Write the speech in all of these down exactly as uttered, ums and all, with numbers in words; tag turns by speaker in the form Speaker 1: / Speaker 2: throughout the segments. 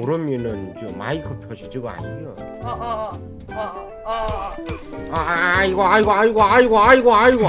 Speaker 1: 그러면은 저 마이크 표시 저거 아니요?
Speaker 2: 아아아아아 아, 아,
Speaker 1: 아 아이고 아이고 아이고 아이고 아이고 아이고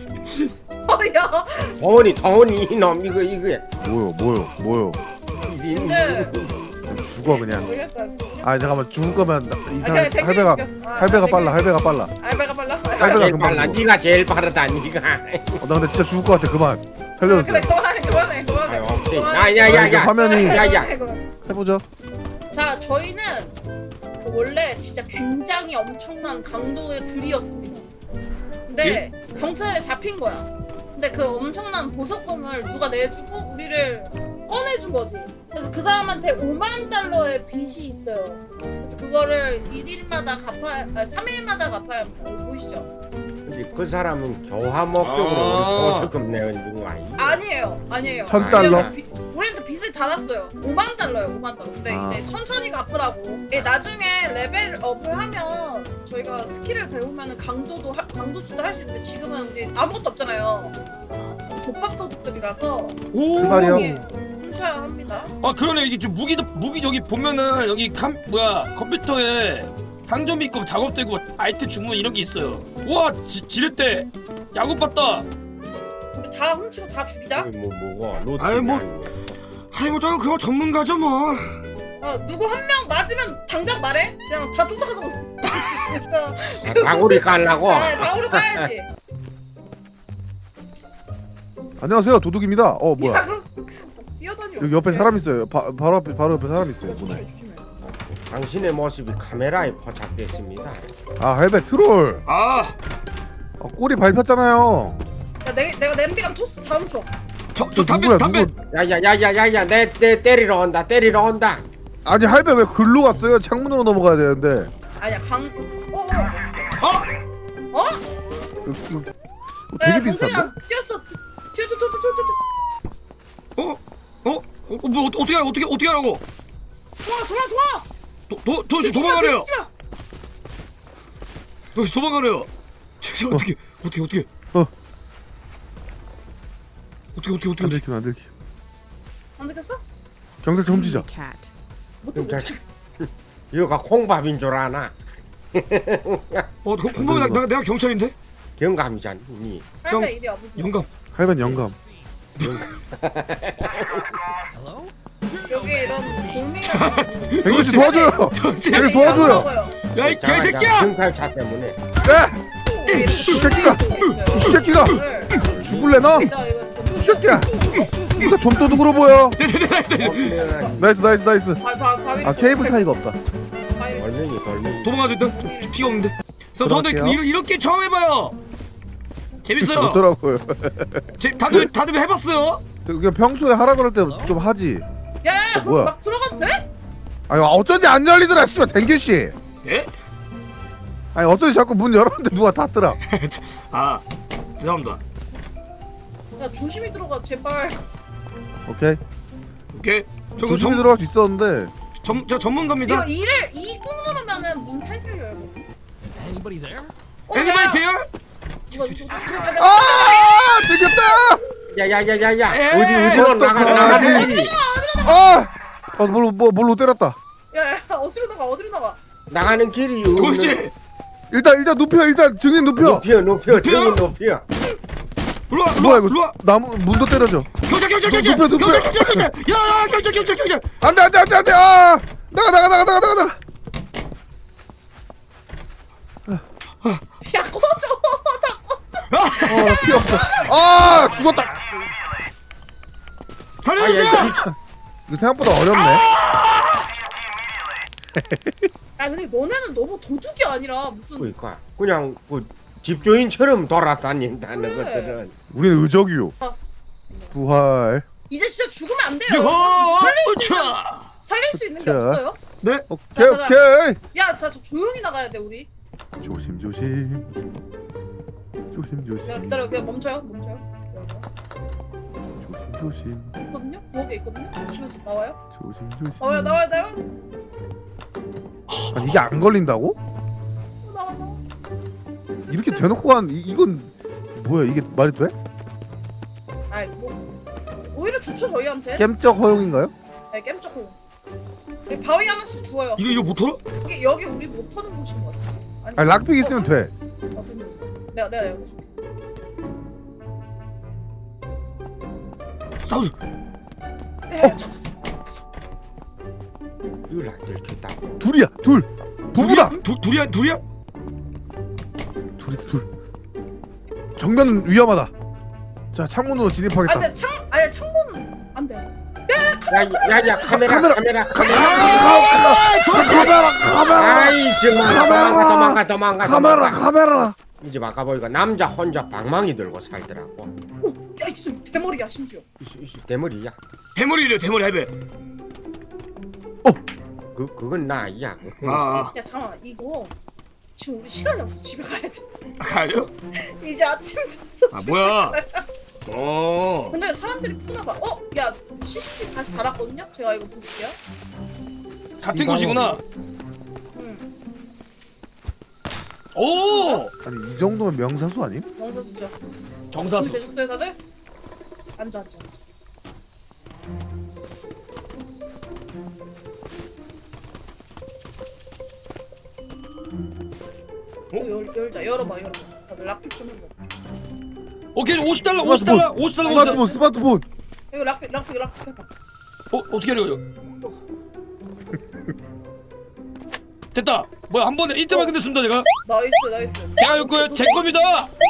Speaker 2: 야
Speaker 1: 돈이 돈이 이놈 이거 이거
Speaker 3: 뭐요 뭐요 뭐요
Speaker 2: 근데
Speaker 3: 죽어 그냥.
Speaker 2: 모르겠다.
Speaker 3: 아 잠깐만 죽을 거면 나- 이
Speaker 2: 아,
Speaker 3: 사람
Speaker 2: 그냥 댕겨
Speaker 3: 할배가
Speaker 2: 죽여. 아,
Speaker 3: 할배가
Speaker 2: 댕겨.
Speaker 3: 빨라 할배가 빨라.
Speaker 2: 알바가 빨라?
Speaker 3: 할배가
Speaker 1: 제일
Speaker 3: 금방
Speaker 1: 빨라
Speaker 3: 죽어.
Speaker 1: 네가 제일 빠르다 네가
Speaker 3: 어, 나 근데 진짜 죽을 것 같아. 그만
Speaker 2: 아,
Speaker 3: 살려주세요.
Speaker 2: 그래 그만해 그만해 그만해
Speaker 1: 아유 오케이
Speaker 3: 아, 이게
Speaker 1: 야야야야
Speaker 3: 화면이
Speaker 1: 야야
Speaker 3: 해보죠.
Speaker 2: 자 저희는 그 원래 진짜 굉장히 엄청난 강도의 들이었습니다. 근데 경찰에 잡힌 거야. 근데 그 엄청난 보석금을 누가 내주고 우리를 꺼내준 거지. 그래서 그 사람한테 오만 달러의 빚이 있어요. 그래서 그거를 일 일마다 갚아야, 아, 삼 일마다 갚아야 합니다. 여기 보이시죠?
Speaker 1: 근데 그 사람은 교화 목적으로
Speaker 4: 아.
Speaker 1: 우리 보석금 내는 거 아니야?
Speaker 2: 아니에요, 아니에요.
Speaker 3: 천 달러?
Speaker 2: 우리는 비- 우리는 빚을 다 났어요. 오만 달러요, 오만 달러. 근데
Speaker 3: 아.
Speaker 2: 이제 천천히 갚으라고. 예, 나중에 레벨업을 하면 저희가 스킬을 배우면 강도도 하, 강도주도 할 수 있는데 지금은 우리 아무것도 없잖아요. 족밥도둑들이라서
Speaker 4: 오.
Speaker 3: 출발이요.
Speaker 2: 조용히 훔쳐야 합니다.
Speaker 4: 아 그러네. 이게 좀 무기도 무기 여기 보면은 여기 감 뭐야 컴퓨터에 상점 있고 작업되고 아이템 주문 이런 게 있어요. 우와 지, 지렛대 야구 봤다.
Speaker 2: 우리 다 훔치고 다 죽이자.
Speaker 1: 뭐 뭐고 로트
Speaker 4: 아이, 뭐. 아이고 저 그거 전문가죠 뭐.
Speaker 2: 어, 누구 한 명 맞으면 당장 말해. 그냥 다 쫓아가서 진짜.
Speaker 1: 다구리 깔라고.
Speaker 2: 네, 다 우리 가야지.
Speaker 3: 안녕하세요 도둑입니다. 어
Speaker 2: 야,
Speaker 3: 뭐야
Speaker 2: 그럼 뛰어다녀.
Speaker 3: 여기 옆에 사람 있어요. 바, 바로 앞에 바로 옆에 사람 있어요.
Speaker 2: 조심해,
Speaker 3: 문에.
Speaker 2: 조심해.
Speaker 1: 당신의 모습이 카메라에 포착됐습니다.
Speaker 3: 아 할배 트롤.
Speaker 4: 아
Speaker 3: 어, 꼬리 밟혔잖아요.
Speaker 2: 야, 내, 내가 냄비랑 토스트 다 훔쳐.
Speaker 4: 저 저 담배
Speaker 3: 누구야,
Speaker 4: 담배.
Speaker 3: 누구?
Speaker 1: 야야야야야야 내 내 때리러 온다 때리러 온다.
Speaker 3: 아니 할배 왜 글로 갔어요? 창문으로 넘어가야 되는데.
Speaker 2: 아니야, 강. 어, 어.
Speaker 4: 어?
Speaker 2: 어?
Speaker 3: 이거, 이거 되게
Speaker 2: 야,
Speaker 3: 비싼데?
Speaker 2: 경찰이야. 뛰었어. 뛰어, 뛰어, 뛰어, 뛰어, 뛰어.
Speaker 4: 어? 어? 어? 뭐 어떻게 하- 어떻게 어떻게 하라고?
Speaker 2: 도와, 도와, 도와.
Speaker 4: 도도 도시
Speaker 2: 뛰지 마,
Speaker 4: 도망가래요.
Speaker 2: 뛰지 마.
Speaker 4: 도시 도망가래요. 저 어떻게 어떻게 어떻게
Speaker 3: 어.
Speaker 4: 어떻게 어떻게
Speaker 3: 안
Speaker 4: 어떻게
Speaker 3: 들키면 안 들키.
Speaker 2: 안 들켰어?
Speaker 3: 경찰차 훔치자.
Speaker 5: cat.
Speaker 2: 못해, 못해.
Speaker 1: 이거가 콩밥인 줄 아나?
Speaker 4: 어 공범이 나 내가 경찰인데?
Speaker 1: 영감이잖니. 니.
Speaker 2: 할배 이리 와보세요.
Speaker 4: 영감.
Speaker 3: 할배는 영감.
Speaker 2: 여기 이런 공미가
Speaker 3: 댕규 씨 도와줘요.
Speaker 4: 정신.
Speaker 3: 여기 도와줘요.
Speaker 4: 야 이 개새끼야!
Speaker 1: 경찰차 때문에.
Speaker 3: 네.
Speaker 2: 이
Speaker 3: 새끼가! 이 새끼가! 죽을래 너? 이 새끼야. 이거 좀 도둑으로 보여. 나이스 나이스 나이스. 아 케이블 타이가 없다.
Speaker 1: 걸명이 걸명이.
Speaker 4: 도망가자 일단. 저 피가 없는데. 저 저도
Speaker 3: 들어갈게요.
Speaker 4: 이런 이렇게 처음 해봐요. 재밌어요.
Speaker 3: 좋더라고요.
Speaker 4: 제, 다들 다들 해봤어요?
Speaker 3: 그냥 평소에 하라 그럴 때 좀 하지.
Speaker 2: 야야야,
Speaker 3: 어, 뭐야?
Speaker 2: 막 들어가도 돼?
Speaker 3: 아니 어쩐지 안 열리더라 씨발 댕규 씨.
Speaker 4: 예?
Speaker 3: 아니 어쩐지 자꾸 문 열었는데 누가 닫더라.
Speaker 4: 아 죄송합니다.
Speaker 2: 야, 조심히 들어가, 제발.
Speaker 3: 오케이.
Speaker 4: 오케이. 저
Speaker 3: 조심히
Speaker 4: 전,
Speaker 3: 들어갈 수 있었는데.
Speaker 4: 전, 저 전문가입니다.
Speaker 2: 이거 이를 이 꾹 누르면은 문 살살 열고.
Speaker 6: Anybody there?
Speaker 2: 어,
Speaker 4: 애니바이
Speaker 2: 야,
Speaker 4: 돼요?
Speaker 2: 이거 이거 이거
Speaker 3: 아 들켰다.
Speaker 1: 야야야야야.
Speaker 4: 에이,
Speaker 1: 어디 어디로 나가 나가는 길이.
Speaker 3: 아. 아 뭘로 뭐 뭘로 때렸다.
Speaker 2: 야야, 어디로 나가, 어디로 나가?
Speaker 1: 나가는 길이
Speaker 4: 도시.
Speaker 3: 일단 일단 눕혀 일단 증인 눕혀.
Speaker 1: 높여 높여
Speaker 4: 높여?
Speaker 1: 등이 높여.
Speaker 4: 일로 와, 일로
Speaker 3: 뭐야
Speaker 4: 와,
Speaker 3: 이거
Speaker 4: 일로 와.
Speaker 3: 나무 문도 때려줘.
Speaker 4: 경찰, 경찰,
Speaker 3: 눕혀,
Speaker 4: 경찰,
Speaker 3: 눕혀.
Speaker 4: 경찰, 경찰, 경찰. 야, 야, 경찰, 경찰, 경찰.
Speaker 3: 안돼 안돼 안돼 안돼. 아 나가 나가 나가 나가 나가.
Speaker 2: 야, 꺼져, 다 꺼져.
Speaker 3: 어 필요 없어. 아 죽었다.
Speaker 4: 살려주세요.
Speaker 3: 이거 생각보다 어렵네.
Speaker 2: 야, 근데 너네는 너무 도둑이 아니라 무슨
Speaker 1: 그러니까 그냥 그 집주인처럼 돌아다닌다는
Speaker 2: 그래.
Speaker 1: 것들은.
Speaker 3: 우리는 의적이요.
Speaker 2: 아스.
Speaker 3: 부활.
Speaker 2: 이제 진짜 죽으면 안 돼요.
Speaker 4: 요,
Speaker 2: 살릴 수 있는
Speaker 4: 으차.
Speaker 2: 살릴 수 있는 게
Speaker 3: 자.
Speaker 2: 없어요.
Speaker 4: 네.
Speaker 3: 오케이
Speaker 2: 자, 자, 자.
Speaker 3: 오케이.
Speaker 2: 야, 자, 저 조용히 나가야 돼 우리.
Speaker 3: 조심 조심. 조심
Speaker 2: 기다려,
Speaker 3: 조심.
Speaker 2: 기다려, 그냥 멈춰요, 멈춰요.
Speaker 3: 조심 조심.
Speaker 2: 있거든요. 부엌에 있거든요. 조심해서 나와요.
Speaker 3: 조심 조심.
Speaker 2: 나와요, 나와요, 나와요.
Speaker 3: 아니 이게 안 걸린다고?
Speaker 2: 어, 나와, 나와.
Speaker 3: 이렇게 대놓고 한 이, 이건 뭐야 이게 말이 돼?
Speaker 2: 아이, 뭐 오히려 좋죠 저희한테.
Speaker 3: 겜적 허용인가요?
Speaker 2: 네, 겜쩍고. 여기 바위 하나씩 주워요.
Speaker 4: 이거 이거 못 털어?
Speaker 2: 여기 여기 우리 못 터는 곳인 것 같아. 아니,
Speaker 3: 아니 락픽 있으면 돼.
Speaker 2: 어, 됐네. 내가 내가 여기 줄게.
Speaker 4: 사운드.
Speaker 2: 야, 야, 저, 저,
Speaker 1: 이걸 안 들켰다.
Speaker 3: 둘이야 둘. 부부다.
Speaker 4: 둘 둘이야 둘이야?
Speaker 3: 둘이 둘. 정면 위험하다. 자 창문으로 진입하겠다.
Speaker 2: 아, 근데 창 아니 창문은 안 돼.
Speaker 1: 야야야 카메라
Speaker 3: 카메라.
Speaker 1: 카메라
Speaker 3: 아,
Speaker 1: 카메라.
Speaker 3: 카메라 카메라
Speaker 1: 아이 정말
Speaker 3: 카메라.
Speaker 1: 도망가 도망가 도망가.
Speaker 3: 카메라
Speaker 1: 도망가.
Speaker 3: 카메라.
Speaker 1: 이제 아까 보니까 남자 혼자 방망이 들고 살더라고.
Speaker 2: 오, 야 이수 대머리야 심지어.
Speaker 1: 이수 이수 대머리야.
Speaker 4: 대머리래 대머리 할배.
Speaker 1: 그 그건 나야.
Speaker 4: 아,
Speaker 2: 야 잠깐만 이거 지금 우리 시간이 없어 집에 가야 돼.
Speaker 4: 아. 가요?
Speaker 2: 이제 아침 됐어.
Speaker 4: 아
Speaker 2: 집에
Speaker 4: 뭐야?
Speaker 2: 가야 돼.
Speaker 4: 어.
Speaker 2: 근데 사람들이 푸나 봐. 어, 야 씨씨티비 다시 달았거든요. 제가 이거 보실게요.
Speaker 4: 같은 곳이구나.
Speaker 2: 응,
Speaker 4: 오.
Speaker 3: 아니 이 정도면 명사수 아님?
Speaker 2: 명사수죠.
Speaker 4: 정사수.
Speaker 2: 준비되셨어요 다들? 앉아 앉아 앉아.
Speaker 4: 어?
Speaker 2: 열, 열자 열어봐 열어봐. 다들 락픽 좀 해봐.
Speaker 4: 오케이 오십 달러 오십 달러 오십 달러 오십 달러.
Speaker 3: 스마트폰 스마트폰.
Speaker 2: 이거 락픽 락픽 락픽 해봐.
Speaker 4: 어 어떻게 하려고? 됐다. 뭐야 한 번에 이때만 끝냈습니다 제가.
Speaker 2: 나이스 나이스.
Speaker 4: 제가 이거 제 겁니다.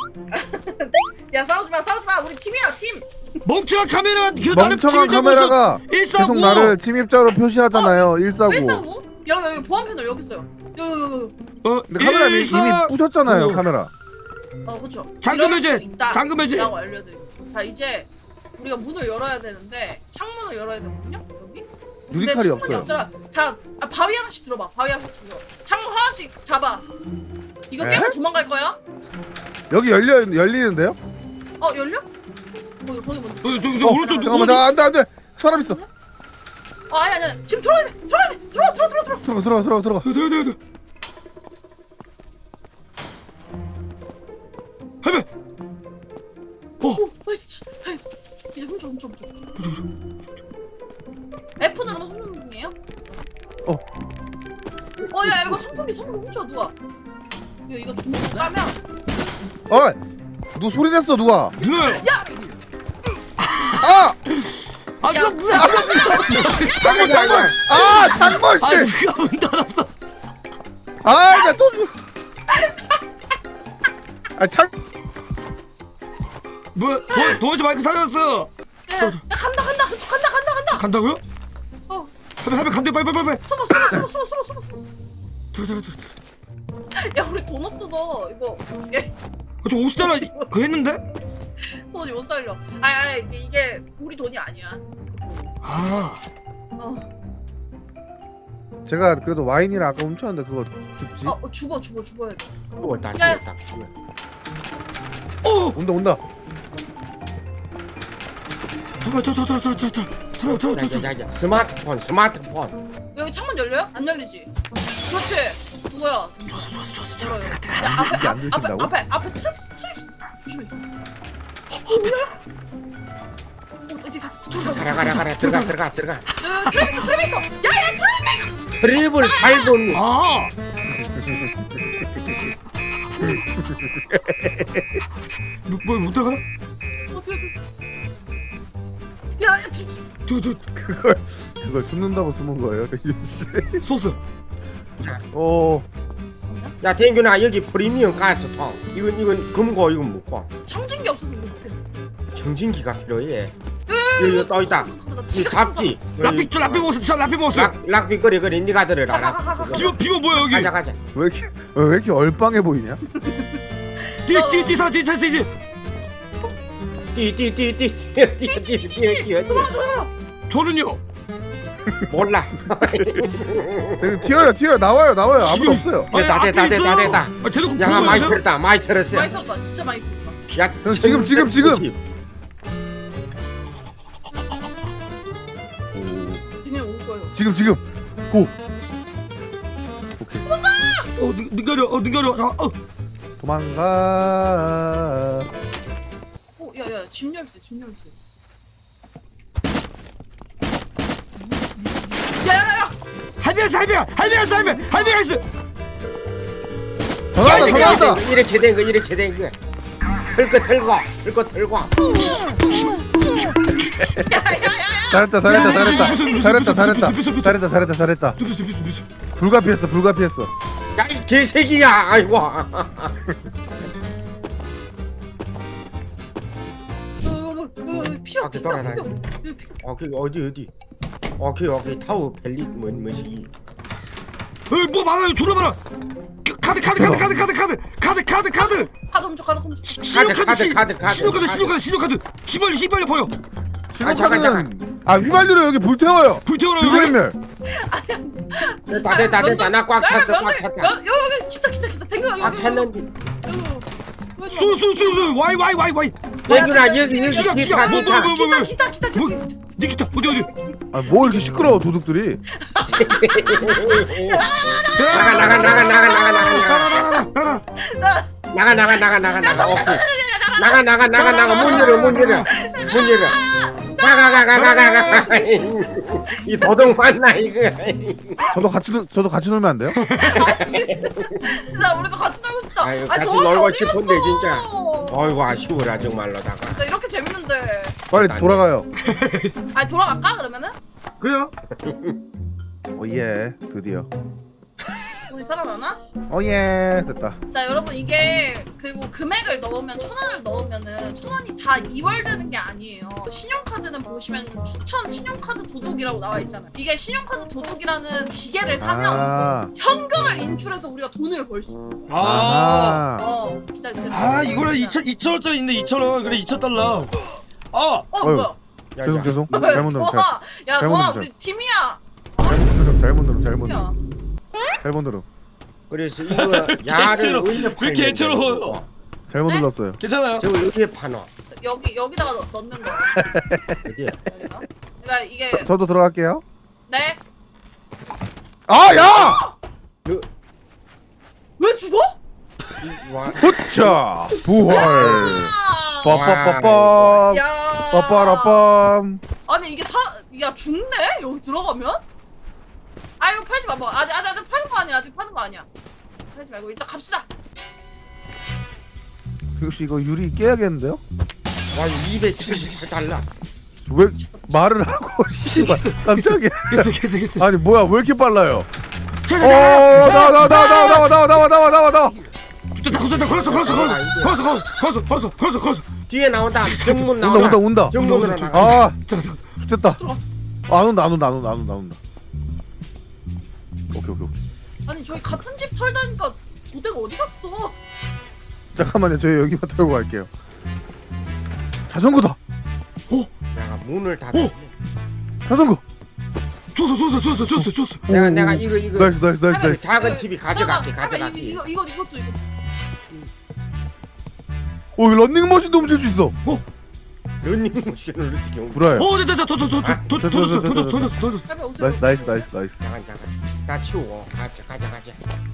Speaker 2: 야 싸우지 마 싸우지 마. 우리 팀이야 팀.
Speaker 4: 멍청한 카메라 그 나를
Speaker 3: 멍청한
Speaker 4: 침입자고
Speaker 3: 카메라가
Speaker 4: 있어.
Speaker 3: 계속 나를 침입자로 표시하잖아요. 일사구.
Speaker 2: 일사구? 여기 여기 보안 패널 여기 있어요. 여기 여기 여기.
Speaker 4: 어,
Speaker 3: 근데 카메라 이미,
Speaker 4: 일사-
Speaker 3: 이미 부셨잖아요.
Speaker 4: 어.
Speaker 3: 카메라.
Speaker 2: 어 그렇죠.
Speaker 4: 잠금 해제! 잠금 해제!
Speaker 2: 라고 알려드릴게요. 자 이제 우리가 문을 열어야 되는데 창문을 열어야 되거든요. 여기. 근데
Speaker 3: 유리칼이
Speaker 2: 창문이
Speaker 3: 없어요.
Speaker 2: 없잖아. 자 아, 바위 하나씩 들어봐. 바위 하나씩 들어. 창문 하나씩 잡아. 이거
Speaker 3: 에?
Speaker 2: 깨고 도망갈 거야?
Speaker 3: 여기 열려 열리는데요?
Speaker 2: 어 열려? 거기 거기 먼저.
Speaker 4: 저기 저기
Speaker 3: 어,
Speaker 4: 오른쪽
Speaker 3: 잠깐만
Speaker 4: 오른쪽.
Speaker 3: 나 안돼 안돼 사람 있어.
Speaker 2: 아 아니 아니 지금 들어야 돼. 들어야 돼. 들어와 들어와 들어와 들어와.
Speaker 3: 들어가 들어가 들어가 들어가.
Speaker 4: 들어 들어 들어. 할배. 어.
Speaker 2: 오 나이스. 나이스. 이제 훔쳐 훔쳐 훔쳐. F 누르면 손전등이에요?
Speaker 3: 어.
Speaker 2: 어야 이거 선풍기 선풍기 훔쳐 누가? 이거 이거 중국 까면
Speaker 3: 어, 누 소리 냈어 누가?
Speaker 4: 누나요.
Speaker 2: 야
Speaker 3: 아,
Speaker 4: 아
Speaker 2: 야.
Speaker 4: 저 뭐야?
Speaker 3: 장군 장군. 아, 장군
Speaker 4: 아
Speaker 3: 씨.
Speaker 4: 누가 문 닫았어?
Speaker 3: 아, 나또 아, 장.
Speaker 4: 뭐야? 도 도대체 마이크 사라졌어.
Speaker 2: 야, 야 간다 간다 간다 간다 간다.
Speaker 4: 간다고요?
Speaker 2: 어
Speaker 4: 할배 할배 간대 빨리 빨리 빨리.
Speaker 2: 숨어 숨어 숨어 숨어 숨어 숨어.
Speaker 4: 들어 들어 들어.
Speaker 2: 야 우리 돈 없어서 이거 어떻게
Speaker 4: 저 오십 달러 그 했는데?
Speaker 2: 돈이 못 살려. 아니 아니 이게, 이게 우리 돈이 아니야.
Speaker 4: 아.
Speaker 2: 어,
Speaker 3: 제가 그래도 와인이라 아까 훔쳤는데 그거 죽지?
Speaker 2: 어, 어 죽어 죽어 죽어야 돼.
Speaker 1: 죽었다
Speaker 2: 야.
Speaker 1: 죽었다.
Speaker 4: 어.
Speaker 3: 온다 온다.
Speaker 4: 들어 들어 들어 들어 들어 들어 들어 들어.
Speaker 1: 야야야야 스마트폰 스마트폰.
Speaker 2: 여기 창문 열려요? 안 열리지? 그렇지. 그거야.
Speaker 4: 좋았어 좋았어 좋았어.
Speaker 2: 열어요.
Speaker 4: 들어 들어.
Speaker 2: 야 앞에
Speaker 3: 이게 안
Speaker 2: 앞, 앞에
Speaker 3: 들킨다고?
Speaker 2: 앞에 앞에 트랩스 트랩스 조심해 조심해. 어 뭐야? 어 어디 가?
Speaker 1: 가라 가라 가라 들어가 들어가 들어가.
Speaker 2: 트랩스 트랩 있어. 야야 트랩.
Speaker 1: 트립을 밟은.
Speaker 4: 아. 뭐못 들어가나?
Speaker 2: 어떻게 돼? 야야
Speaker 4: 저, 저,
Speaker 3: 그걸 그걸 숨는다고 숨은 거예요, 이 씨.
Speaker 4: 소스.
Speaker 3: 어,
Speaker 1: 야 댕균아 여기 프리미엄 가스통. 이건 이건 금고 이건 묵고.
Speaker 2: 청진기 없어서 못해.
Speaker 1: 청진기가 필요해. 여기 또 있다. 이 잡지.
Speaker 4: 라피 저 라피 먹었어. 저 라피 먹었어.
Speaker 1: 락 락비 거리 거리 니가 들어라.
Speaker 4: 비버 비버 뭐야 여기?
Speaker 1: 가자 가자.
Speaker 3: 왜 이렇게 왜 이렇게 얼빵해 보이냐?
Speaker 4: 뒤뒤뒤사 뒤사 뒤.
Speaker 1: 뛰뛰뛰뛰뛰뛰뛰뛰뛰
Speaker 4: 저는요.
Speaker 1: 몰라.
Speaker 3: 네, 튀어요, 튀어요, 나와요, 나와요. 아무도 없어요.
Speaker 1: 됐다 됐다 됐다 됐다.
Speaker 4: 아 대놓고
Speaker 1: 야 많이
Speaker 4: 보여요?
Speaker 1: 들었다 많이 들었어.
Speaker 2: 많이 들었다 진짜 많이 들었다.
Speaker 1: 야
Speaker 3: 형, 지금, 지금, 지금.
Speaker 2: 되게 올 거예요.
Speaker 3: 지금 지금 고. 오케이.
Speaker 4: 어 능- 능가려 어 능가려. 아, 어.
Speaker 3: 도망가.
Speaker 2: 어 야야 집 열쇠 집 열쇠. 야야야
Speaker 4: 할배였어 할배야 할배였어 할배 할배였어.
Speaker 3: 전화한다 전화한다.
Speaker 1: 이렇게 된 거 이렇게 된 거. 털거 털고 털거 털고.
Speaker 3: 잘했다 잘했다 잘했다 잘했다 잘했다 잘했다 잘했다 잘했다. 불가피했어 불가피했어.
Speaker 1: 야 이 개새끼야. 아이고.
Speaker 2: 피어
Speaker 1: 밖에
Speaker 2: 피어
Speaker 1: 돌아다니. 어, 그 어디 어디? 어, 그 여기 타워 벨리 뭐 뭐지?
Speaker 4: 에이 뭐 많아요 졸라 많아. 카드 카드 카드 카드 카드 카드 카드 카드 카드
Speaker 2: 카드 훔쳐 카드 훔쳐.
Speaker 4: 신용카드
Speaker 1: 카드,
Speaker 4: 시-
Speaker 1: 카드, 카드,
Speaker 4: 신용카드
Speaker 1: 카드.
Speaker 4: 신용카드 신용카드 휘발유 휘발유 버려.
Speaker 1: 아, 잠깐,
Speaker 3: 신호카드는 아 휘발유로 여기 불 태워요.
Speaker 4: 불태워라.
Speaker 3: 들그림멸.
Speaker 1: 됐다 됐다 됐다. 나 꽉 찼어 꽉 찼다.
Speaker 2: 여기 여기 기타 기타 기타 댕겨 여기.
Speaker 1: 꽉 찼는데.
Speaker 4: 쏘쏘쏘쏘 와이 와이 와이 와이.
Speaker 1: 얘들아 여기 여기
Speaker 4: 지갑,
Speaker 1: 기타
Speaker 4: 지갑, 뭐,
Speaker 1: 기타.
Speaker 4: 뭐, 뭐, 뭐.
Speaker 2: 기타 기타 기타.
Speaker 4: 뭐 니기타 어디 어디.
Speaker 3: 아뭐 이렇게 시끄러워 도둑들이.
Speaker 1: 나가 나가 나가 나가 나가 나가
Speaker 4: 나가.
Speaker 1: 나가 나가 나가 나가 나가 오케이. 나가 나가 나가 나가 문 열어 문 열어 문 열어. 나가 나가 나가 나가. 이 도둑 맞나 이거?
Speaker 3: 저도 같이 놀- 저도 같이 놀면 안 돼요?
Speaker 2: 아 진짜 우리도 같이 놀고 싶다.
Speaker 1: 아유,
Speaker 2: 아니,
Speaker 1: 같이
Speaker 2: 저기
Speaker 1: 놀고
Speaker 2: 어디
Speaker 1: 싶은데,
Speaker 2: 갔어?
Speaker 1: 진짜. 어이구 아쉬워라 정말로다가.
Speaker 2: 진짜 이렇게 재밌는데.
Speaker 3: 빨리 돌아가요.
Speaker 2: 아니 돌아갈까 그러면은?
Speaker 4: 그래요?
Speaker 3: 오예 드디어.
Speaker 2: 우리 살아나나?
Speaker 3: 오예 됐다.
Speaker 2: 자 여러분 이게 그리고 금액을 넣으면 천 원을 넣으면은 천 원이 다 이월되는 게 아니에요. 신용카드는 보시면 추천 신용카드 도둑이라고 나와 있잖아요. 이게 신용카드 도둑이라는 기계를 사면
Speaker 3: 아.
Speaker 2: 현금을 인출해서 우리가 돈을 벌 수 있어.
Speaker 4: 아.
Speaker 3: 아.
Speaker 2: 어 기다리세요.
Speaker 4: 아 이거는 이천 이천 원짜리 있는데 이천 원 그래 이천 달러. 아.
Speaker 2: 어
Speaker 3: 어휴.
Speaker 2: 뭐야?
Speaker 3: 죄송 죄송.
Speaker 2: 왜?
Speaker 3: 잘못 누름 잘,
Speaker 2: 좋아. 야
Speaker 3: 잘못
Speaker 2: 좋아
Speaker 3: 누름,
Speaker 2: 우리 팀이야.
Speaker 3: 잘못 누름 잘못 누름 잘못
Speaker 2: 팀이야.
Speaker 3: 누름 잘못 누름
Speaker 1: 그래서 이거 야를
Speaker 4: 개처럼,
Speaker 1: 어디에
Speaker 4: 왜
Speaker 1: 팔면
Speaker 4: 개처럼워요?
Speaker 1: 되는
Speaker 3: 잘못
Speaker 2: 네?
Speaker 3: 눌렀어요.
Speaker 4: 괜찮아요.
Speaker 1: 저거 어디에 파노?
Speaker 2: 여기 여기다가 넣, 넣는 거.
Speaker 1: 어디에?
Speaker 2: 여기다. 그러니까 이게
Speaker 3: 저, 저도 들어갈게요.
Speaker 2: 네.
Speaker 3: 아 야!
Speaker 1: 너,
Speaker 2: 왜 죽어?
Speaker 1: 이, 와,
Speaker 3: 후차 부활.
Speaker 2: 아!
Speaker 3: 빠빠빠빰.
Speaker 2: 야.
Speaker 3: 빠빠라빰.
Speaker 2: 아니 이게 사, 야 죽네? 여기 들어가면? 아 이거 팔지 마봐. 아직 아직 아직 파는 거 아니야. 아직 파는 거 아니야. 팔지 말고 일단 갑시다.
Speaker 3: 혹시 이거 유리 깨야겠는데요?
Speaker 1: 와 이백칠십 달러.
Speaker 3: 왜 말을 하고 씨발 깜짝이야.
Speaker 4: 됐어 됐어 됐어.
Speaker 3: 아니 뭐야 왜 이렇게 빨라요?
Speaker 4: 자,
Speaker 3: 어
Speaker 4: 자, 자.
Speaker 3: 나와 나와 나와 나와 나와 나와 나와 나와 나와.
Speaker 4: 됐다 됐다 걸었어 걸었어 걸었어 걸었어 걸었어 걸었어 걸었어 걸었어.
Speaker 1: 뒤에 나온다. 정문
Speaker 3: 온다
Speaker 1: 나온다.
Speaker 3: 온다 온다.
Speaker 1: 정문으로
Speaker 4: 온다,
Speaker 1: 나가.
Speaker 3: 아
Speaker 4: 잠깐 잠깐.
Speaker 3: 됐다. 안 온다 안 온다 안 온다 안 온다 안 온다. 오케이 오케이 오케이.
Speaker 2: 아니 저희 같은 집 털다니까 도대가 어디 갔어?
Speaker 3: 잠깐만요 저희 여기만 털고 갈게요. 자전거다.
Speaker 1: 내가 문을 닫아.
Speaker 4: 오!
Speaker 3: 자전거.
Speaker 4: 줬어 줬어 줬어 줬어 줬어.
Speaker 1: 내가
Speaker 3: 오,
Speaker 1: 내가
Speaker 3: 오.
Speaker 1: 이거 이거
Speaker 3: 나이스 나이스 나이스
Speaker 1: 그
Speaker 3: 나이스.
Speaker 1: 작은 집이 가져갈게
Speaker 2: 잠깐만,
Speaker 1: 가져갈게.
Speaker 2: 이거 이거 이거 이것도 이거.
Speaker 3: 오 런닝머신도 훔칠 수 있어.
Speaker 1: 런닝머신을 어떻게 옮겨?
Speaker 3: 구라야.
Speaker 4: 오 됐다 됐다 줬줬줬
Speaker 3: 됐다,
Speaker 4: 줬어
Speaker 3: 됐다,
Speaker 4: 줬어
Speaker 3: 됐다.
Speaker 4: 줬어 줬어.
Speaker 2: 빨리 오세요.
Speaker 3: 나이스 나이스 나이스 나이스.
Speaker 1: 잠깐 잠깐. 다 치우고 가자 가자 가자.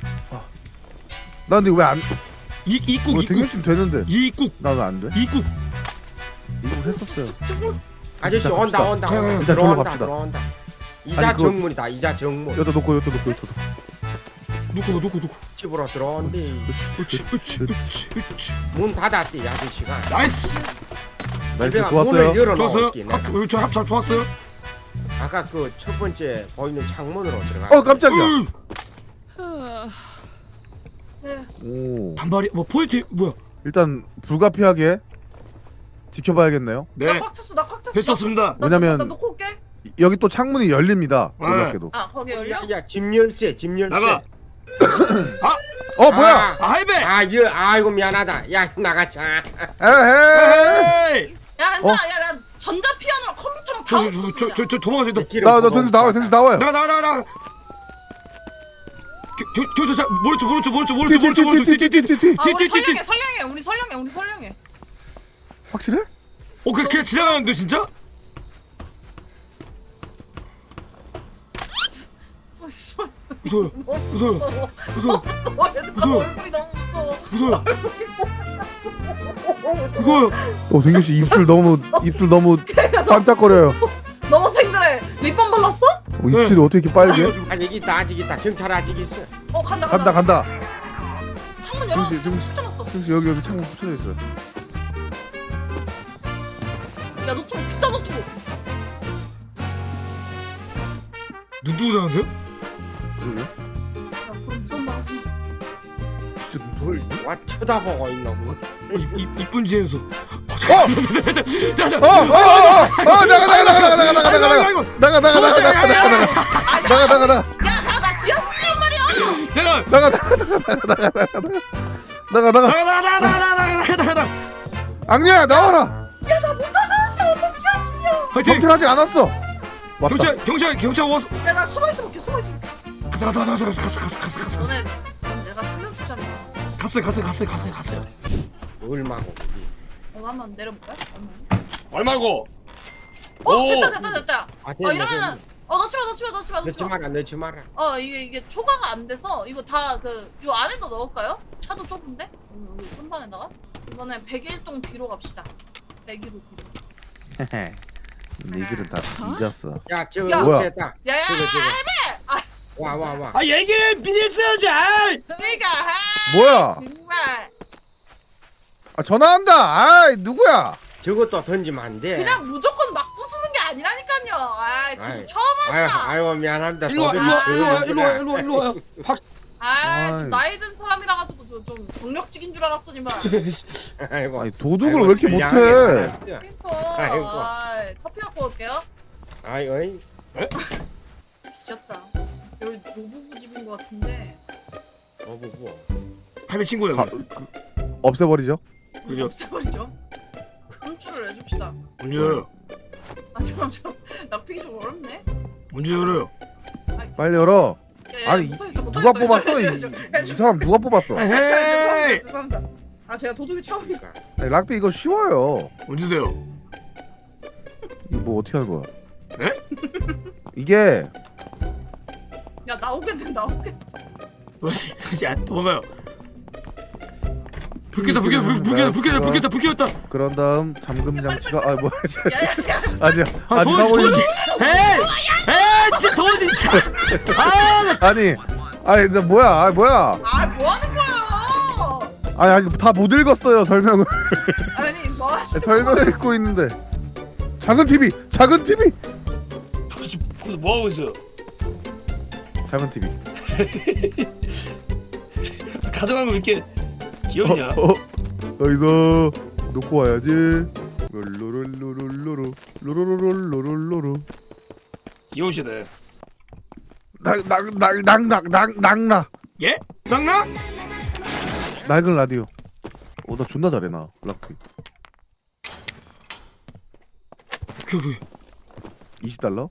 Speaker 3: 나 근데 왜안
Speaker 4: 이 입국
Speaker 3: 뭐
Speaker 4: 입국
Speaker 3: 등교심 되는데
Speaker 4: 입국
Speaker 3: 나는 안 돼?
Speaker 4: 입국.
Speaker 3: 이거 했었어요.
Speaker 1: 아저씨
Speaker 3: 일단
Speaker 1: 온다
Speaker 3: 갑시다.
Speaker 1: 온다
Speaker 4: 가, 가,
Speaker 1: 온다.
Speaker 3: 일단 절로
Speaker 1: 들어온다
Speaker 3: 갑시다.
Speaker 1: 들어온다. 이자
Speaker 3: 아니, 그거-
Speaker 1: 정문이다 이자 정문.
Speaker 3: 여기다 놓고 여기다 놓고 여기다
Speaker 4: 놓고 놓고 놓고.
Speaker 1: 집으로 들어온대.
Speaker 4: 그렇지 그렇지 그렇지 그렇지.
Speaker 1: 문 닫았대 이 아저씨가.
Speaker 4: 나이스.
Speaker 3: 나이스
Speaker 1: 내가
Speaker 3: 좋았어요.
Speaker 1: 문을
Speaker 4: 좋았어요.
Speaker 1: 열어놓을게. 내가.
Speaker 4: 합, 저 합참 좋았어요.
Speaker 1: 아까 그 첫 번째 보이는 창문으로 들어가.
Speaker 3: 어 깜짝이야.
Speaker 4: 으,
Speaker 2: 네.
Speaker 3: 오
Speaker 4: 단발이 뭐 포인트 뭐야?
Speaker 3: 일단 불가피하게 지켜봐야겠네요.
Speaker 4: 네.
Speaker 2: 나꽉 찼어. 나 꽉 찼어.
Speaker 4: 됐었습니다.
Speaker 2: 나, 나,
Speaker 3: 왜냐면-
Speaker 2: 나, 나 놓고 올게.
Speaker 3: 여기 또 창문이 열립니다.
Speaker 4: 네.
Speaker 3: 놀랍게도.
Speaker 2: 아 거기 열려?
Speaker 1: 야집 열쇠 집 열쇠.
Speaker 4: 나가.
Speaker 3: 어 뭐야?
Speaker 4: 아 할배.
Speaker 1: 아, 여, 아이고 미안하다. 야 나가자.
Speaker 3: 에헤.
Speaker 4: 에이.
Speaker 2: 야 앉아.
Speaker 3: 어?
Speaker 2: 야나 전자 피아노랑 컴퓨터랑 다 없었어. 그냥.
Speaker 4: 저저저 도망가자.
Speaker 3: 나나 등수 나와요. 등수 나와요.
Speaker 4: 나가 나가 나가 나가. 저저저 모르죠 모르죠 모르죠 모르죠 모르죠 모르죠.
Speaker 3: 띠띠띠띠띠띠띠.
Speaker 2: 아, 우리
Speaker 4: 띠띠띠띠.
Speaker 2: 설령해 설령해 우리 설령해 우리 설령해.
Speaker 3: 확실해?
Speaker 4: 어 그냥 그냥 지나가는데 진짜?
Speaker 2: 숨어 숨어 숨어.
Speaker 4: 무서워요.
Speaker 2: 너무
Speaker 4: 무서워요.
Speaker 2: 무서워.
Speaker 4: 무서워.
Speaker 2: 너무 무서워. 얘들아,
Speaker 4: 무서워.
Speaker 2: 얼굴이 너무 무서워.
Speaker 4: 무서워요. 무서워요.
Speaker 3: 어 등규 씨 입술 너무 입술 너무 반짝거려요.
Speaker 2: 너무 생그래. 립밤 발랐어?
Speaker 3: 어, 입술이 어떻게 이렇게 빨개?
Speaker 1: 아직 있다 아직 있다 경찰 아직 있어.
Speaker 2: 어 간다
Speaker 3: 간다
Speaker 2: 간다.
Speaker 3: 간다.
Speaker 2: 창문 열어.
Speaker 3: 정신, 정신.
Speaker 2: 붙여놨어.
Speaker 3: 형수 여기 여기 창문 붙여져 있어.
Speaker 2: 야 노트북 비싼 노트북.
Speaker 4: 누구잖아요?
Speaker 3: 그러네.
Speaker 2: 야 그럼 무슨 말 하지?
Speaker 3: 진짜 뭘?
Speaker 1: 와 쳐다보고 있나 뭐.
Speaker 4: 이쁜 지혜수.
Speaker 3: 어! 어! 어! 어! 어! 나가 나가 나가 나가 나가 나가 나가 나가 나가 나가 나가 나가 나가 나가 나가
Speaker 2: 야 잠깐 나 지하실이란 말이야.
Speaker 4: 내가
Speaker 3: 나가 나가 나가 나가 나가 나가 나가
Speaker 4: 나가 나가 나가 나가 나가.
Speaker 3: 악녀야 나와라.
Speaker 2: 야 나 못 나가. 나 엄마 지하실이야.
Speaker 4: 화이팅.
Speaker 3: 경찰하지 않았어. 왔다.
Speaker 4: 경찰 경찰 경찰 와서.
Speaker 2: 야 나 숨어 있어 볼게 숨어 있어 볼게.
Speaker 4: 가서 가서 가서 가서 가서 가서 가서 가서.
Speaker 2: 너네 넌 내가 살려주잖아.
Speaker 4: 갔어요 갔어요 갔어요 갔어요 갔어요.
Speaker 1: 얼마고.
Speaker 2: 어 한번 내려볼까?
Speaker 4: 얼마고?
Speaker 2: 어
Speaker 4: 오.
Speaker 2: 됐다 됐다 됐다.
Speaker 1: 아
Speaker 2: 어
Speaker 1: 됐네
Speaker 2: 이러면은
Speaker 1: 됐네.
Speaker 2: 어 넣지 마 넣지 마 넣지 마 넣지
Speaker 1: 넣지
Speaker 2: 마.
Speaker 1: 마라 넣지 마라.
Speaker 2: 어 이게 이게 초과가 안 돼서 이거 다 그 요 안에다 넣을까요? 차도 좁은데? 음, 여기 손반에다가 이번엔 백일 동 뒤로 갑시다. 백일 동 뒤로.
Speaker 3: 니들은 다 잊었어.
Speaker 1: 야 저거
Speaker 2: 야.
Speaker 1: 없앴다.
Speaker 2: 야야
Speaker 1: 저거, 저거.
Speaker 2: 할배! 아
Speaker 1: 와 와 와.
Speaker 4: 아 얘기를 미리 써자.
Speaker 2: 그러니까 아,
Speaker 3: 뭐야?
Speaker 2: 정말
Speaker 3: 아 전화한다. 아이 누구야?
Speaker 1: 저것도 던지면 안 돼.
Speaker 2: 그냥 무조건 막 부수는 게 아니라니까요. 아 저도
Speaker 1: 아이,
Speaker 2: 처음
Speaker 1: 아유
Speaker 2: 하시다.
Speaker 1: 아유 미안합니다.
Speaker 4: 일로 와
Speaker 1: 도둑이
Speaker 4: 일로 와 일로 와
Speaker 1: 저거
Speaker 4: 일로 와 일로 와 일로 와. 확.
Speaker 2: 아좀
Speaker 3: 아이.
Speaker 2: 나이 든 사람이라 가지고 저 좀 경력직인 줄 알았더니만.
Speaker 1: 아이고.
Speaker 3: 아니 도둑을
Speaker 1: 아이고,
Speaker 3: 왜 이렇게
Speaker 1: 선량하게
Speaker 3: 못해?
Speaker 1: 살았어.
Speaker 2: 그니까
Speaker 1: 아이고.
Speaker 2: 아이, 커피 갖고 올게요.
Speaker 1: 아이고. 어이.
Speaker 2: 뒤졌다. 여기 노부부 집인 것 같은데.
Speaker 1: 어 뭐.
Speaker 4: 할배 친구예요.
Speaker 3: 가, 그, 없애버리죠.
Speaker 4: 그죠?
Speaker 2: 없애버리죠. 혼쭐을 내줍시다.
Speaker 4: 문제 열어요.
Speaker 2: 아 잠깐 잠깐 납득이 좀 어렵네.
Speaker 4: 문제 열어요.
Speaker 2: 아,
Speaker 3: 빨리 열어.
Speaker 2: 야, 야,
Speaker 3: 아니,
Speaker 2: 못하겠어,
Speaker 3: 누가
Speaker 2: 못하겠어.
Speaker 3: 뽑았어? 이,
Speaker 2: 야, 저, 야, 저,
Speaker 3: 이 사람 누가 뽑았어?
Speaker 2: 야, 죄송합니다 죄송합니다. 아 제가 도둑이 처음이니까.
Speaker 3: 아니, 락비 이거 쉬워요.
Speaker 4: 문제 돼요.
Speaker 3: 이거 뭐 어떻게 하는 거야?
Speaker 4: 에?
Speaker 3: 이게
Speaker 2: 야 나오겠네 나오겠어.
Speaker 4: 뭐지? 잠시 안 도망가요. 불 켰다 불 켰다 불 켰다 불 켰다 불 켰다 불 켰다.
Speaker 3: 그런 다음 잠금 장치가 아 뭐야?
Speaker 2: 야야야.
Speaker 3: 아니야
Speaker 4: 아
Speaker 3: 아직
Speaker 4: 도지
Speaker 3: 하고 있는
Speaker 4: 도지. 에이 에이 진짜 도지 진짜. 아
Speaker 3: 아니 아니 나 뭐야 아 뭐야
Speaker 2: 아 뭐하는 거야?
Speaker 3: 아니 아직 다 못 읽었어요 설명을
Speaker 2: 아니 뭐 하시?
Speaker 3: 설명을 읽고 있는데 작은 티비 작은 티비
Speaker 4: 도대체 거기서 뭐 하고 있어요?
Speaker 3: 작은 티비
Speaker 4: 가져가는 거 이렇게 귀엽냐?
Speaker 3: 어, 어, 여기서 놓고 와야지 롤로롤로롤로로 로로로롤로롤로로
Speaker 4: 귀여우시네.
Speaker 3: 낙낙낙낙낙낙낙
Speaker 4: 예? 낭나?
Speaker 3: 낡은 라디오 어 나 존나 잘해 나 락비
Speaker 4: 그 그.
Speaker 3: 이십 달러?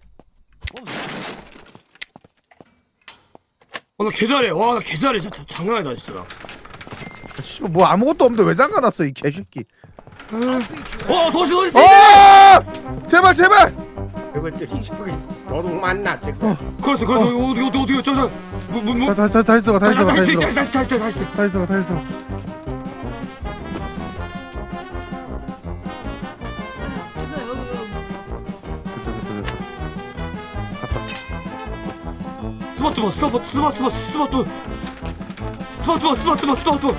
Speaker 4: 어나 개잘해. 와나 개잘해. 진짜 장난 아니다 진짜. 나.
Speaker 3: 씨발 뭐 아무것도 없는데 왜 잠가놨어 이 개새끼
Speaker 4: 어 도시 도시.
Speaker 3: 아 제발 제발
Speaker 1: 저것들이 저기 도둑 맞나 저거.
Speaker 4: 그래서 그래서 어디 어디 어디 저저 뭐뭐
Speaker 3: 다, 다, 다시 들어가 다시 들어가 다시 들어가
Speaker 4: 다시 다시 다시 다시.
Speaker 3: 다시 들어가 다시 들어가
Speaker 2: 여기 여기 여기.
Speaker 3: 됐다 됐다 됐다 갔다
Speaker 4: 스마트폰 스마트 스마트 스마트 스마트폰 스마트폰 스마트폰.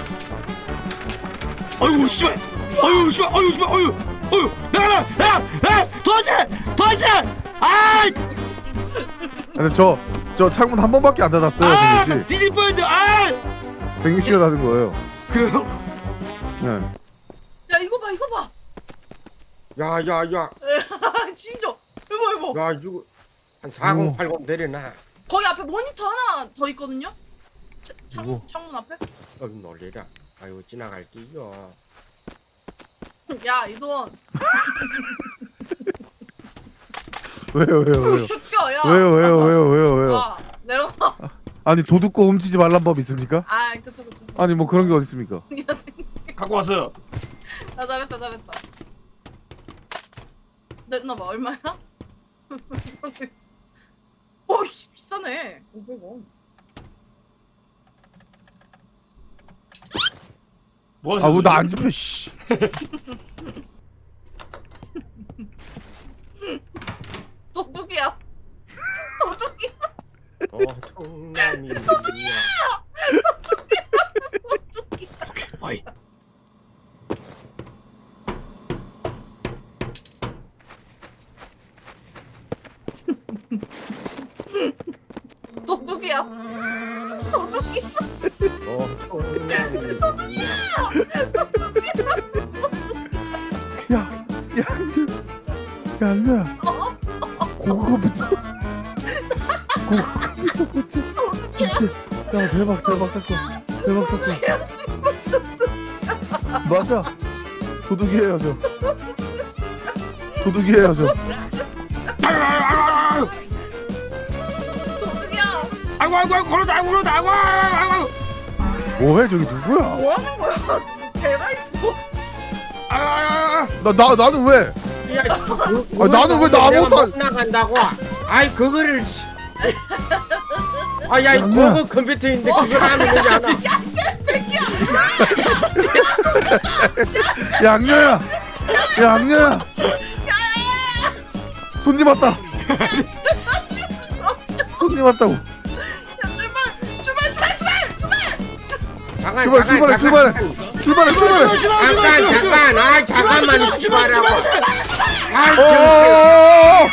Speaker 4: 아이고 씨발. 아이고 씨발. 아이고 씨발. 아이고 아이고 나가 나가 도시 도시. 아
Speaker 3: 근데 저, 저 창문 한 번밖에 안 닫았어요,
Speaker 4: 아,
Speaker 3: 백윤 씨.
Speaker 4: 뒤질 뻔했는데 아!
Speaker 3: 백윤 씨가 닫은 거예요.
Speaker 4: 그래요?
Speaker 3: 네.
Speaker 2: 야 이거 봐 이거 봐.
Speaker 1: 야야야.
Speaker 2: 진짜. 이거 이거.
Speaker 1: 야 이거 한 사공팔공 내려놔.
Speaker 2: 거기 앞에 모니터 하나 더 있거든요. 차, 창,
Speaker 3: 이거.
Speaker 2: 창문 앞에.
Speaker 1: 어 놀래라. 아유 지나갈게요.
Speaker 2: 야 이돈.
Speaker 3: 왜요, 왜요, 왜요?
Speaker 2: 슈껴 야.
Speaker 3: 왜요, 왜요, 왜요, 왜요, 왜요?
Speaker 2: 야 내려가.
Speaker 3: 아니, 도둑고 훔치지 말란 법 있습니까?
Speaker 2: 아 그쵸 그쵸.
Speaker 3: 아니, 뭐 그런 게 어디 있습니까?
Speaker 4: 갖고 왔어요.
Speaker 2: 나 잘했다 잘했다. 냈나봐 얼마야? 오이씨 비싸네. 오백 원.
Speaker 4: 뭐
Speaker 3: 아, 왜 나 안 잡혀, 씨.
Speaker 2: 도둑이야. 도둑.
Speaker 1: 도둑놈이
Speaker 4: 아이.
Speaker 2: 도둑이야. 도둑이야.
Speaker 1: 도둑놈이
Speaker 3: 야, 야, 야, 안녕. 고급 컴퓨터. 고급 컴퓨터 그치? 그치? 야, 대박, 대박 사건. 대박 사건. 맞아. 도둑이에요, 저. 도둑이에요, 저.
Speaker 2: 도둑이야.
Speaker 4: 아이고 아이고 아이고 걸었다 아이고 걸었다 아이고 아이고
Speaker 3: 뭐해, 저기 누구야?
Speaker 2: 뭐 하는 거야? 개가 있어.
Speaker 4: 아이고
Speaker 3: 나, 나, 나는 왜?
Speaker 1: 야, 그,
Speaker 3: 아, 나는 왜 나 아무것도 안-
Speaker 1: 못 나간다고? 아이 그거를 씨. 아야 이
Speaker 3: 양녀야.
Speaker 1: 고급 컴퓨터인데 그걸 하면 되지 않아?
Speaker 3: 야, 악녀야! 야, 악녀야! 손님 왔다! 손님 왔다고!
Speaker 2: 야, 출발, 출발, 출발, 출발, 출발.
Speaker 1: 잠깐
Speaker 3: 출발,
Speaker 1: 잠깐
Speaker 3: 출발해,
Speaker 1: 잠깐
Speaker 3: 출발해! 출발해, 출발해!
Speaker 1: 잠깐 잠깐 아 잠깐만 출발하고 아이 저
Speaker 3: 어어어어어!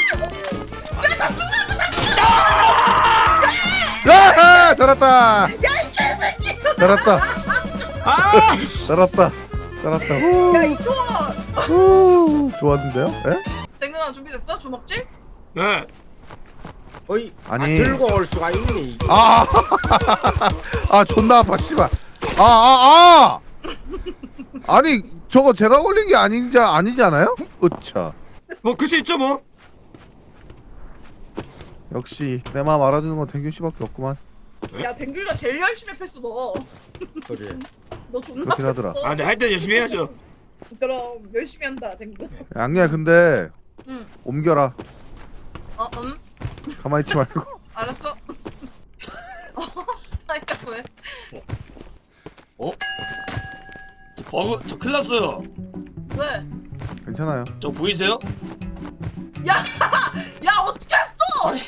Speaker 3: 야! 살았다! 살았다!
Speaker 4: 아
Speaker 3: 살았다! 살았다! 후,
Speaker 2: 야, 이거.
Speaker 3: 후, 좋았는데요? 예?
Speaker 2: 땡근아 준비됐어? 주먹질?
Speaker 4: 네
Speaker 1: 거의
Speaker 3: 아니.
Speaker 1: 아, 들고 올 수가 있네 이게.
Speaker 3: 아! 아, 존나 아파, 씨발! 아, 아, 아! 아니, 저거 제가 걸린 게 아니지, 아니지 않아요? 으차.
Speaker 4: 뭐 글씨 있죠 뭐
Speaker 3: 역시, 내 마음 알아주는 건 댕균 씨밖에 없구만.
Speaker 2: 야, 댕글이가 제일 열심히 패스 너.
Speaker 1: 그래
Speaker 2: 너 존나
Speaker 3: 그렇긴 하더라.
Speaker 2: 패스.
Speaker 4: 아 근데 할 때는 열심히 해야죠
Speaker 2: 그럼 열심히 한다, 댕글.
Speaker 3: 양녀야, 근데,
Speaker 2: 응.
Speaker 3: 옮겨라.
Speaker 2: 어, 음.
Speaker 3: 가만히 있지 말고.
Speaker 2: 알았어. 어, 아이까 왜?
Speaker 4: 어? 저 버그 저 큰일 났어요
Speaker 2: 왜?
Speaker 3: 괜찮아요.
Speaker 4: 저 보이세요?
Speaker 2: 야, 야 어떻게 했어?
Speaker 4: 아니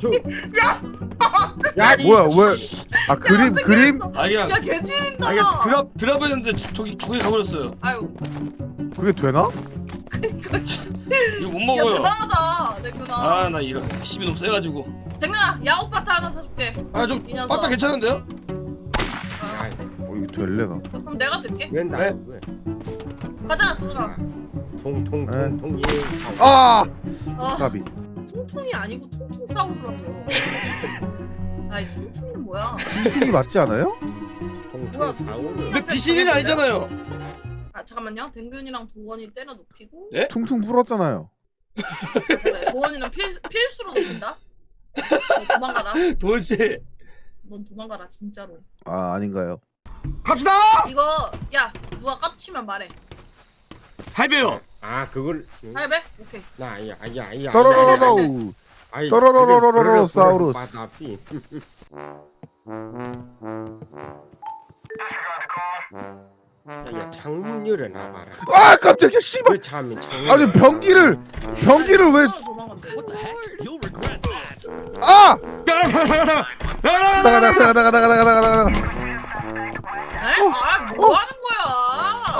Speaker 1: 야 이-
Speaker 3: 뭐야, 왜? 아, 그림,
Speaker 2: 어떻게
Speaker 3: 그림?
Speaker 2: 했어?
Speaker 4: 아니
Speaker 2: 야,
Speaker 4: 그냥
Speaker 2: 개지린다.
Speaker 4: 아니 그냥 드랍 드랍 했는데 저- 저기 저기 가버렸어요
Speaker 2: 아유,
Speaker 3: 그게 되나?
Speaker 2: 그니까.
Speaker 4: 이거 못
Speaker 2: 야,
Speaker 4: 먹어요
Speaker 2: 대단하다, 댕근아.
Speaker 4: 아 나 이런 힘이 너무 세가지고
Speaker 2: 댕근아, 야구바타 하나 사줄게.
Speaker 4: 아좀
Speaker 2: 이 녀석.
Speaker 4: 바타 괜찮은데요?
Speaker 1: 야,
Speaker 3: 어, 이거 될래나?
Speaker 2: 그럼 내가 들게.
Speaker 1: 웬 나?
Speaker 4: 네?
Speaker 1: 왜?
Speaker 2: 가자, 댕근아.
Speaker 1: 통통통통 이 사오.
Speaker 3: 아!
Speaker 2: 어,
Speaker 3: 까비.
Speaker 2: 퉁퉁이 아니고 퉁퉁 싸우더라고. 아이, 퉁퉁이는 뭐야?
Speaker 3: 퉁이 맞지 않아요?
Speaker 1: 통통 사오.
Speaker 4: 근데 비신이는 아니잖아요
Speaker 2: 아, 잠깐만요. 댕균이랑 도원이 때려 눕히고.
Speaker 3: 퉁퉁 풀었잖아요.
Speaker 2: 잠깐만, 도원이는 필, 필수로 눕힌다? 너 도망가라.
Speaker 4: 도대체
Speaker 2: 넌 도망가라, 진짜로.
Speaker 3: 아, 아닌가요?
Speaker 4: 갑시다!
Speaker 2: 이거, 야, 누가 깝치면 말해.
Speaker 4: 할배요
Speaker 1: 아 그걸
Speaker 2: 할배? 오케이.
Speaker 1: 나 아야 아야 아야.
Speaker 3: 떠러러러러.
Speaker 1: 아이,
Speaker 3: 떠러러러러러러
Speaker 1: 그래, 그래,
Speaker 3: 사우루스.
Speaker 1: 그래, 바다피. 야야 창문 열어놔봐라.
Speaker 3: 아, 깜짝이야, 씨발!
Speaker 1: 왜 참이 창문?
Speaker 3: 아니, 변기를, 변기를 왜,
Speaker 2: 도망간대.
Speaker 3: 아!
Speaker 4: 나가
Speaker 3: 나가, 나가, 나가, 나가, 나가, 나가, 나가, 나가.
Speaker 2: 에? 아, 뭐 하는 거야?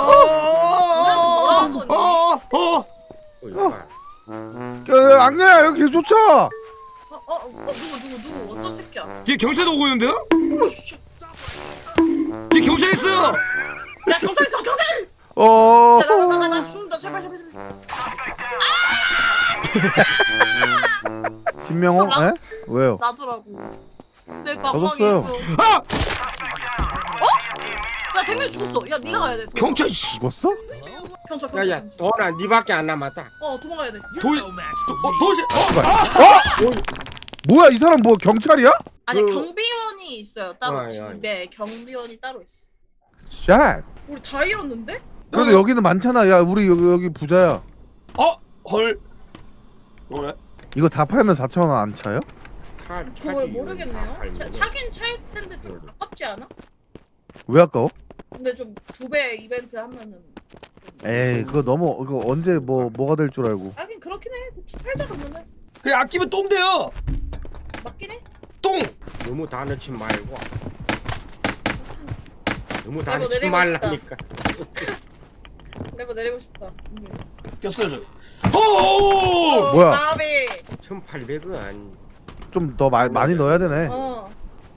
Speaker 4: 어어어어
Speaker 1: 어이, 봐.
Speaker 3: 야, 악녀야, 여기 계속 쫓아!
Speaker 2: 어, 어, 어, 누구, 누구, 누구, 어떤 새끼야?
Speaker 4: 뒤에 경찰도 오고 있는데요?
Speaker 2: 오씨.
Speaker 4: 뒤에 경찰 있어요!
Speaker 2: 야, 경찰 있어, 경찰!
Speaker 3: 어,
Speaker 2: 야, 나, 나, 나, 나, 나 죽는다, 제발, 제발, 제발.
Speaker 3: 신명호? 에? 왜요?
Speaker 2: 나더라고. 내
Speaker 3: 얻었어요.
Speaker 2: 가방에 있어.
Speaker 4: 아!
Speaker 2: 야, 댕균 죽었어. 야, 네가 가야 돼.
Speaker 4: 경찰 씨
Speaker 3: 죽었어?
Speaker 2: 경찰, 경찰.
Speaker 1: 야야 도나 니밖에 안 남았다.
Speaker 2: 어, 도망가야 돼.
Speaker 4: 도시 어 도시 어
Speaker 3: 어? 뭐야, 이 사람 뭐 경찰이야?
Speaker 2: 아니,
Speaker 1: 그-
Speaker 2: 경비원이 있어요. 따로
Speaker 1: 어, 어, 어.
Speaker 2: 집에 경비원이 따로 있어.
Speaker 3: 샷!
Speaker 2: 우리 다 잃었는데?
Speaker 3: 그래도 여기는 많잖아. 야, 우리 여기, 여기 부자야.
Speaker 4: 어? 헐 그래?
Speaker 3: 이거 다 팔면 사천 원 안 차요?
Speaker 1: 차,
Speaker 2: 그걸
Speaker 1: 차지,
Speaker 2: 모르겠네요.
Speaker 1: 팔면은.
Speaker 2: 차, 차긴 찰 텐데 좀 아깝지 않아?
Speaker 3: 왜 아까워?
Speaker 2: 근데 좀 두 배 이벤트 하면은.
Speaker 3: 에이, 그거 너무, 이거 언제 뭐, 뭐가 될 줄 알고.
Speaker 2: 하긴 그렇긴 해. 다 팔자 그러면은
Speaker 4: 그래 아끼면 똥 돼요
Speaker 2: 맞긴 해.
Speaker 4: 똥!
Speaker 1: 너무 다 넣지 말고. 너무 다
Speaker 2: 내버
Speaker 1: 넣지
Speaker 2: 내리고
Speaker 1: 말라니까.
Speaker 2: 내버 내리고 싶다.
Speaker 4: 꼈어요 저. 오!
Speaker 3: 뭐야?
Speaker 2: 나비.
Speaker 1: 천팔백은
Speaker 3: 좀 더 많이 넣어야 되네.
Speaker 2: 어.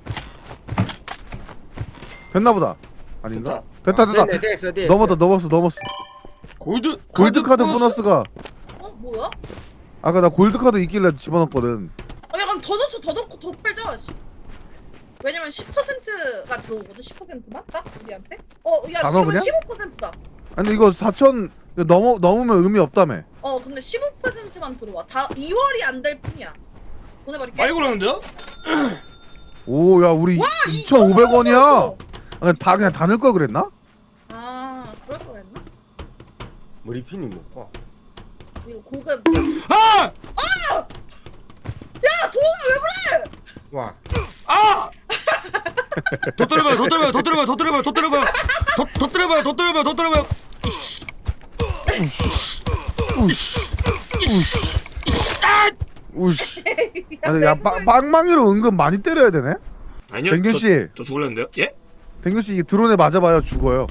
Speaker 3: 됐나보다. 아닌가? 됐다 됐다.
Speaker 1: 됐네, 됐어 됐어.
Speaker 3: 넘었다 넘었어 넘었어.
Speaker 4: 골드
Speaker 3: 골드 카드 보너스가
Speaker 2: 어 뭐야?
Speaker 3: 아까 나 골드 카드 있길래 집어넣었거든.
Speaker 2: 아 야 그럼 더 넣죠 더 넣고 더 팔자. 씨. 왜냐면 십 퍼센트가 들어오거든. 십 퍼센트만 딱 우리한테. 어야
Speaker 3: 다 넣어,
Speaker 2: 지금
Speaker 3: 그냥?
Speaker 2: 십오 퍼센트다.
Speaker 3: 아니 근데 이거 사천 넘어 넘으면 의미 없다며.
Speaker 2: 어 근데 십오 퍼센트만 들어와. 다 이월이 안 될 뿐이야. 보내버릴게.
Speaker 4: 많이 걸었는데요?
Speaker 3: 오 야 우리 이천오백 원이야. 아, 다 그냥 다 넣을 걸 그랬나?
Speaker 2: 아 그럴 거였나?
Speaker 1: 머리핀이 먹고.
Speaker 2: 이거 고급.
Speaker 4: 아!
Speaker 2: 야 도훈아 왜 그래?
Speaker 1: 와.
Speaker 4: 아! 더 때려봐요 더 때려봐요 더 때려봐요 더 때려봐요 더 때려봐요 더, 더 때려봐요 더 때려봐요 더 때려봐요
Speaker 3: 우씨. 아니 야 빵- 빵망이로 은근 많이 때려야 되네.
Speaker 4: 아니요
Speaker 3: 댕균 씨.
Speaker 4: 저, 저 죽을랬는데요? 예?
Speaker 3: 댕균 씨 이게 드론에 맞아봐요 죽어요.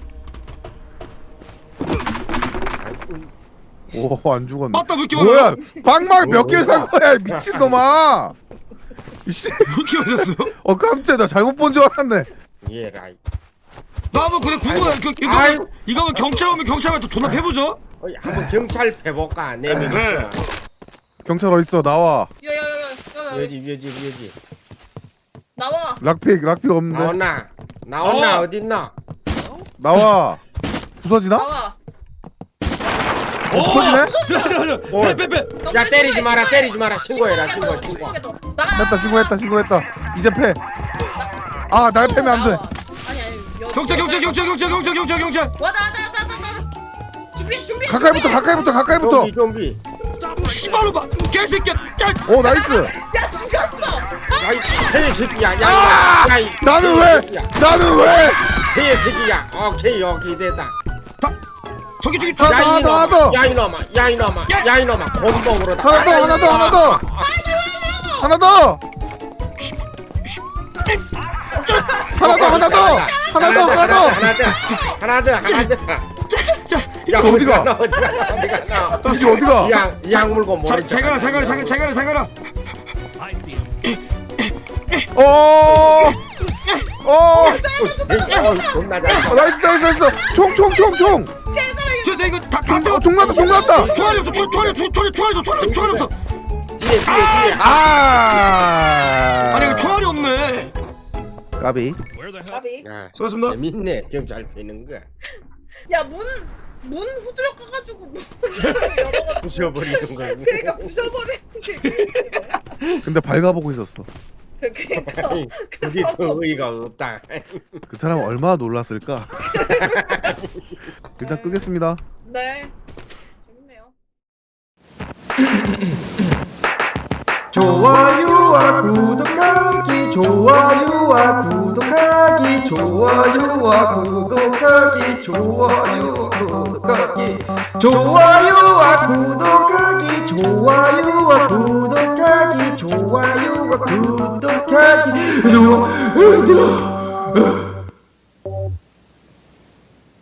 Speaker 3: 오 안 죽었네.
Speaker 4: 맞다 왜 이렇게
Speaker 3: 뭐야?
Speaker 4: 많아요?
Speaker 3: 빵망 몇 개 산 거야 미친 놈아. 이씨.
Speaker 4: 왜 이렇게 많았어요?
Speaker 3: 어 깜짝이야 나 잘못 본 줄 알았네.
Speaker 1: 예라이.
Speaker 4: 나 한번 그래 궁금해 그, 이거
Speaker 1: 아이고.
Speaker 4: 이거면 경찰 오면 경찰 가서 존나 해보죠?
Speaker 1: 어이, 한번 경찰 패볼까 네 명이서.
Speaker 4: 네.
Speaker 3: 경찰 어딨어 나와.
Speaker 2: 야야야야
Speaker 1: 여지 여지 여지.
Speaker 2: 나와.
Speaker 3: 락픽 락픽 없는데.
Speaker 1: 나왔나? 나왔나
Speaker 4: 어.
Speaker 1: 어딨나?
Speaker 3: 나와. 부서지나?
Speaker 2: 나와.
Speaker 3: 어, 부서지네?
Speaker 1: 어.
Speaker 4: 빼빼빼
Speaker 1: 야 때리지 마라 때리지 마라 신고해라 신고 신고.
Speaker 3: 했다 신고했다 신고했다. 이제 패. 아 날 패면 안 돼.
Speaker 2: 아니 아니. 여-
Speaker 4: 경찰 경찰 경찰 경찰 경찰 경찰 경찰
Speaker 2: 와다 와다 와다 와다. 준비 준비.
Speaker 3: 가까이부터
Speaker 2: 준비.
Speaker 3: 가까이부터 가까이부터.
Speaker 1: 좀비 좀비.
Speaker 4: 씨발로 봐 개새끼야 야
Speaker 3: 오 나이스.
Speaker 2: 야 죽였어.
Speaker 1: 야이 개새끼야. 야 야이.
Speaker 3: 나는 왜? 나는 왜?
Speaker 1: 개새끼야. 오케이 오케이 됐다.
Speaker 4: 저기 저기
Speaker 3: 아,
Speaker 1: 야
Speaker 3: 하나
Speaker 1: 이놈아.
Speaker 3: 더, 하나 더.
Speaker 1: 야 이놈아. 야 이놈아.
Speaker 4: 야.
Speaker 1: 야 이놈아. 곰봉으로다.
Speaker 3: 하나 더 하나 더 하나 더. 하나 더. 하나 더 하나 더. 하나 더 하나 더.
Speaker 1: 하나 더 하나 더 하나 더.
Speaker 4: 자
Speaker 1: 야
Speaker 3: 이거 어디가?
Speaker 1: 어디가 어디가 어디가?
Speaker 3: 이제 어디가?
Speaker 1: 이양 물고
Speaker 4: 자,
Speaker 1: 모른
Speaker 4: 잘 가라 잘 가라 잘 가라 잘 가라 잘 가라
Speaker 3: 어. 어.
Speaker 1: 어 존나 잘.
Speaker 3: 어, 나이스 나이스 나이스. 총총총총.
Speaker 4: 저 내가 이거 다다
Speaker 3: 총
Speaker 4: 떼어
Speaker 3: 총 났다 총 났다.
Speaker 4: 총알이 없어 총- 총알이 없어 총알이 총알이 없어 총알이 총알이 없어
Speaker 1: 뒤에 뒤에 뒤에.
Speaker 3: 아.
Speaker 4: 아니 이거 총알이 없네
Speaker 3: 까비.
Speaker 2: 나비.
Speaker 1: 야
Speaker 4: 수고하셨습니다
Speaker 1: 재밌네 경찰 패는 거.
Speaker 2: 야문 문 후드려 까가지고 문을 열어가지고.
Speaker 1: 부셔버리는 거.
Speaker 2: 그러니까 부셔버리는 게.
Speaker 3: 근데 밝아보고 있었어.
Speaker 2: 그러니까.
Speaker 1: 그게
Speaker 2: 그래서
Speaker 1: 더 의의가 없다.
Speaker 3: 그 사람 얼마나 놀랐을까. 일단 끄겠습니다.
Speaker 2: 네. 재밌네요.
Speaker 5: 좋아요와 구독하기 좋아요와 구독하기 좋아요와 구독하기 좋아요와 구독하기 좋아요와 구독하기 좋아요와 구독하기 좋아요와 구독하기 좋아 힘들어